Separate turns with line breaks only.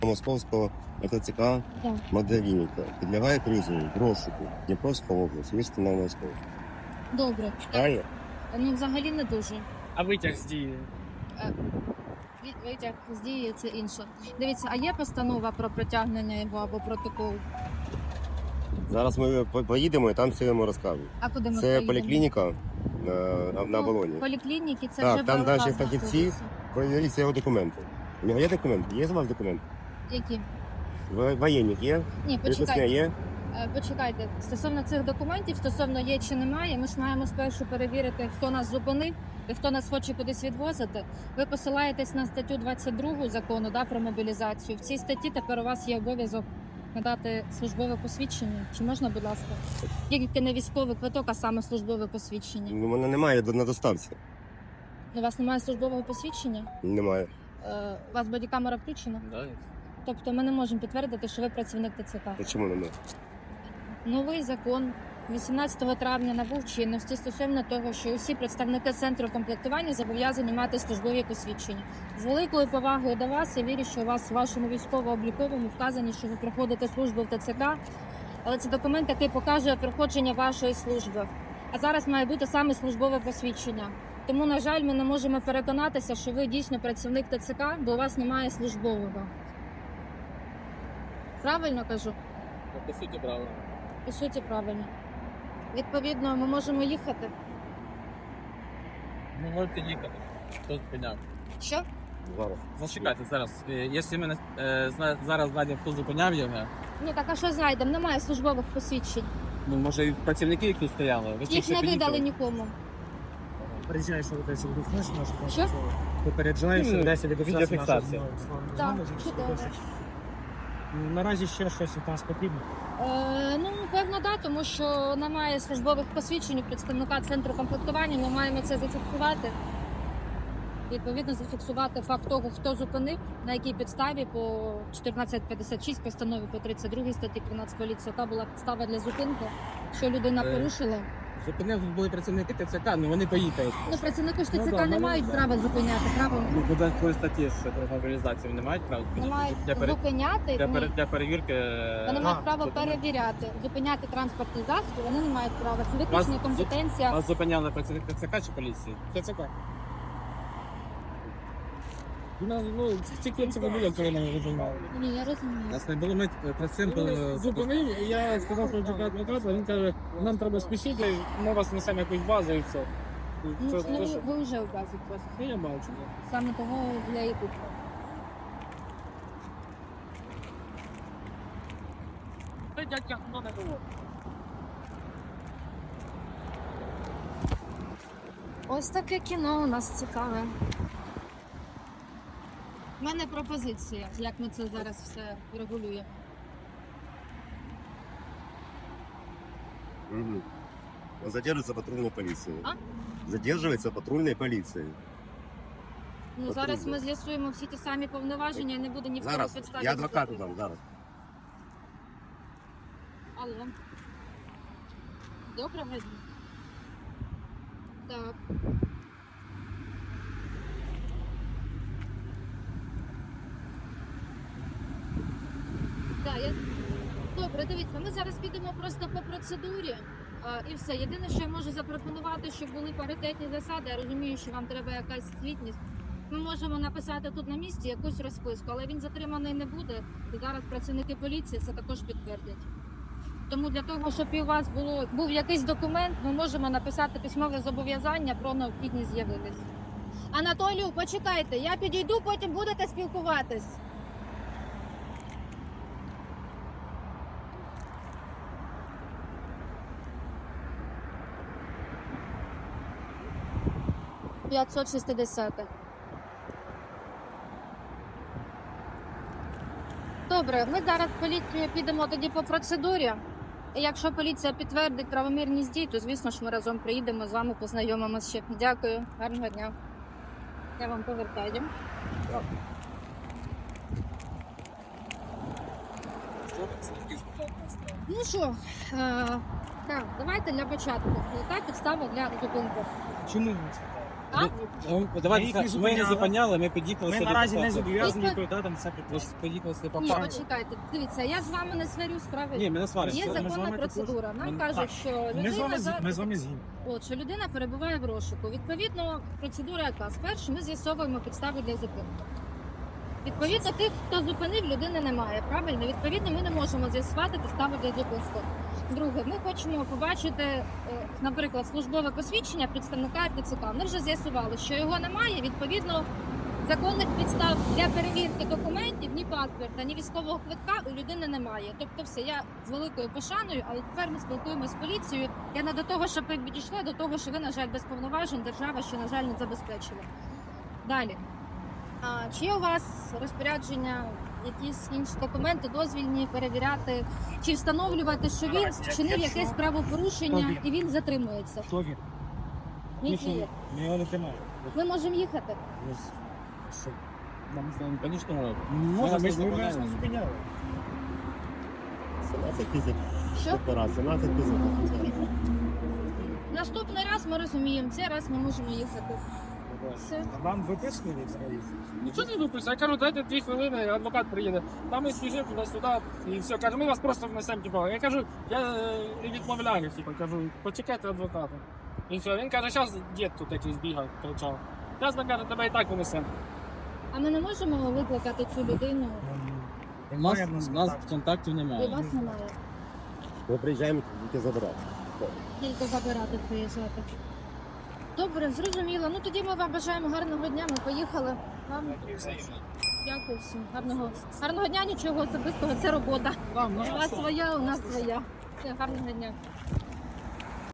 Московського ТЦК
Так.
Магдалініка підлягає призову в розшуку Дніпровська область, місто Новомосковськ.
Добре.
Правильно?
Ну, взагалі не дуже.
А витяг з дії?
Витяг з дії це інше. Дивіться, а є постанова про притягнення його або протокол?
Зараз ми поїдемо і там все йому розкажемо.
А куди ми
Це
поїдемо?
поліклініка на
Ну,
Волоні.
Поліклініки це
Так,
вже
там
ВЛК
наші фахівці.
знаходиться.
Перевіріться його документи. У нього є документи? Є у вас документи?
Які?
Воєнник є?
Ні,
Приписне
почекайте.
є?
Почекайте. Стосовно цих документів, стосовно є чи немає, ми ж маємо спершу перевірити, хто нас зупинив і хто нас хоче кудись відвозити. Ви посилаєтесь на статтю 22 закону, да, про мобілізацію. В цій статті тепер у вас є обов'язок надати службове посвідчення. Чи можна, будь ласка? Тільки не військовий квиток, а саме службове посвідчення.
У мене немає на доставці.
У вас немає службового посвідчення?
Немає.
У вас бодікамера включена?
Да.
Тобто ми не можемо підтвердити, що ви працівник ТЦК.
То чому немає?
Новий закон 18 травня набув чинності стосовно того, що усі представники центру комплектування зобов'язані мати службові посвідчення. З великою повагою до вас, я вірю, що у вас в вашому військово-обліковому вказані, що ви проходите службу в ТЦК, але це документ, який показує проходження вашої служби. А зараз має бути саме службове посвідчення. Тому, на жаль, ми не можемо переконатися, що ви дійсно працівник ТЦК, бо у вас немає службового. Правильно кажу?
По суті, правильно.
По суті, правильно. Відповідно, ми можемо їхати.
Ну, можете їхати. Хто зупиняв?
Що?
Зараз.
Зачекайте зараз. Якщо ми зараз знайдемо, хто зупиняв його,
Ну так, а що знайдемо? Немає службових посвідчень.
ну, може, і працівники, які тут стояли. Ви
Їх не видали нікому.
Попереджаєш, що десь відгукнеш наш.
Що?
Попереджаєш, що десь
відеофіксація.
Так, чудово.
Наразі ще щось від нас потрібно.
Ну, певно, да, тому що немає службових посвідчень у представника центру комплектування. Ми маємо це зафіксувати. Відповідно, зафіксувати факт того, хто зупинив, на якій підставі по 1456 постанові по 32 статті 13 поліції, яка була підстава для зупинки, що людина порушила.
Зупинив, тут були працівники ТЦК, ну вони поїхали.
Ну, працівники ж
Ну,
ТЦК
да,
не
ну,
мають
да.
права зупиняти, правильно?
Ну, буде свої статті, що про мобілізацію вони мають право
Не мають
для,
зупиняти,
для,
ні.
для перевірки.
Вони мають право
зупинити.
перевіряти, зупиняти транспортні засоби, вони не мають права. Це
Вас-
виключна компетенція.
Вас зупиняли працівник ТЦК чи поліції?
ТЦК. Ну, тільки це було, коли мене вижимали.
Ні, я розумію.
Нас не було, ми працюємо.
Зупинив, і я сказав, що чекати адвоката, він каже, нам треба спішити, ми вас несемо якусь базу і все.
Ну,
Це
ну,
те, що-
ви вже образі просто.
Ну, я бачу.
Саме того я і купила.
Це дядька, хто не було.
Ось таке кіно у нас цікаве. У мене пропозиція, як ми це зараз все регулюємо.
Угу. Задерживается патрульной полицией.
А?
Задерживается патрульной полицией.
Ну, зараз ми з'ясуємо всі ті самі повноваження, і не буде ніхто на
Зараз.
підставі.
Я адвокату дам, зараз.
Алло. Доброго дня. Так. Так, Добре, дивіться, ми зараз підемо просто по процедурі. І все. Єдине, що я можу запропонувати, щоб були паритетні засади. Я розумію, що вам треба якась звітність. Ми можемо написати тут на місці якусь розписку, але він затриманий не буде. І зараз працівники поліції це також підтвердять. Тому для того, щоб і у вас був якийсь документ, ми можемо написати письмове зобов'язання про необхідність з'явитись. Анатолію, почекайте, я підійду, потім будете спілкуватись. «560». Добре, ми зараз в поліцію підемо тоді по процедурі. І якщо поліція підтвердить правомірність дій, то, звісно ж, ми разом приїдемо з вами, познайомимося ще. Дякую, гарного дня. Я вам повертаю. Ну що, так, давайте для початку. Яка підстава для зупинки?
Чому ви це?
А?
Давайте,
їх не
ми не
зупиняли.
зупиняли, ми під'їхали
Ми
сюди
наразі
по
не
факту.
зобов'язані
Ви-
відповідати на це
Ви
питання.
ж поїхали сюди по
Ні,
факту.
почекайте. Дивіться, я з вами не сварюсь, правильно?
Ні, ми не сваримося.
Є
ми з вами
законна
також.
процедура. Нам
Ми-
кажуть, що
Ми з
людина
вами
зараз...
ми з вами згідні.
От, що людина перебуває в розшуку. Відповідно, процедура яка? Спершу ми з'ясовуємо підстави для зупинки. Відповідно, тих, хто зупинив, людини немає. Правильно? Відповідно, ми не можемо з'ясувати підстави для зупинки. Друге, ми хочемо побачити, наприклад, службове посвідчення представника РТЦК. Ми вже з'ясували, що його немає. Відповідно, законних підстав для перевірки документів, ні паспорта, ні військового квитка у людини немає. Тобто, все, я з великою пошаною, але тепер ми спілкуємося з поліцією. Я не до того, щоб ви підійшли, до того, що ви, на жаль, без повноважень держава ще, на жаль, не забезпечила. Далі. Чи є у вас розпорядження, якісь інші документи, дозвільні перевіряти, чи встановлювати, що він вчинив якесь правопорушення і він затримується?
Хто він?
Ні, ні.
Ми його не тримаємо.
Ми можемо їхати.
Що?
Нам, звісно, можна.
Можна, ми ж не
зупиняємо.
зупиняли.
17 тисяч
Що?
операцій, 17 тисяч.
Наступний раз ми розуміємо, цей раз ми можемо їхати. Все.
Вам виписували взагалі? Нічого не виписує. Я кажу, дайте 2 хвилини, адвокат приїде. Там ми спіжимо туди-сюди і все. Каже, ми вас просто внесемо, типу. Я кажу, я відмовляю, типу, кажу, почекайте адвоката. І все. Він каже, зараз дід тут якийсь бігав, кричав. Зараз він каже, тебе і так внесемо.
А ми не можемо викликати цю людину,
У нас контактів
і
немає.
вас немає.
Ми приїжджаємо тільки забирати.
Тільки забирати приїжджати. Добре, зрозуміло. Ну тоді ми вам бажаємо гарного дня. Ми поїхали. Вам дякую всім. Гарного дня, нічого особистого. Це робота.
Там,
У вас своя, у нас своя. Все, гарного дня.